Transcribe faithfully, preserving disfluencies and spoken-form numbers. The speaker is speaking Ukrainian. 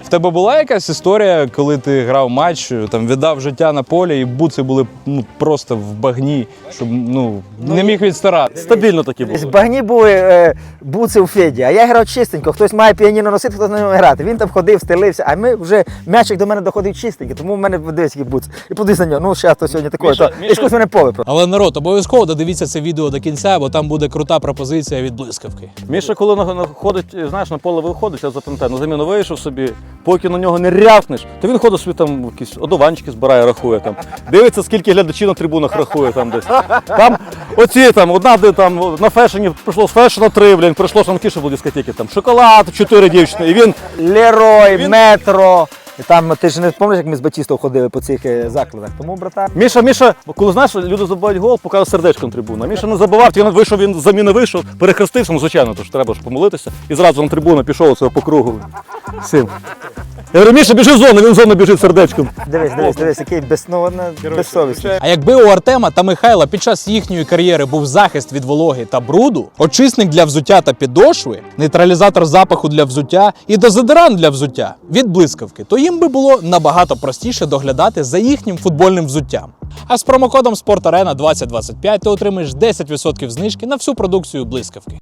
В тебе була якась історія, коли ти грав матч, там віддав життя на полі і буци були ну, просто в багні, щоб ну, не міг відстарати? Стабільно такі були. В багні були е, буци у Феді, а я грав чистенько. Хтось має піаніно носити, хтось на ньому грати. Він там ходив, стелився, а ми вже м'ячик до мене доходив чистенько, тому в мене дивись, який буц. І подивись на нього, ну зараз то сьогодні такое, Міша, то Міша- якось мене поле просто. Але народ, обов'язково додивіться це відео до кінця, бо там буде крута пропозиція від блискавки. Міша, коли на- на- ходить, знаєш, на поле виходить, я запам'ятаю, на заміну вийшов собі, поки на нього не рявкнеш, то він ходить собі там якісь одуванчики збирає, рахує там. Дивиться, скільки глядачів на трибунах рахує там десь. Там оці там, одна де там на фешені прийшло з фешена три, блін, прийшло ж на ті, що були дискотеки, там шоколад, чотири дівчини, і він Лерой, метро. І там ти ж не пам'ятаєш, як ми з Батістом ходили по цих е, закладах. Тому, братан, Міша, Міша, коли знаєш, люди забувають гол, показує сердечком трибуну. А Міша не забував, він вийшов, він з заміни вийшов, перехрестився, ну звичайно, тож треба ж помолитися. І зразу на трибуну пішов оцього по кругу. Всім. Я говорю, Міша, біжи в зону, він в зону біжить сердечком. дивись, дивись, дивись, який без, ну, на- безсовісний. А якби у Артема та Михайла під час їхньої кар'єри був захист від вологи та бруду, очисник для взуття та підошви, нейтралізатор запаху для взуття і дезодорант для взуття від блискавки, то їм би було набагато простіше доглядати за їхнім футбольним взуттям. А з промокодом спорт арена двадцять двадцять п'ять ти отримаєш десять відсотків знижки на всю продукцію блискавки.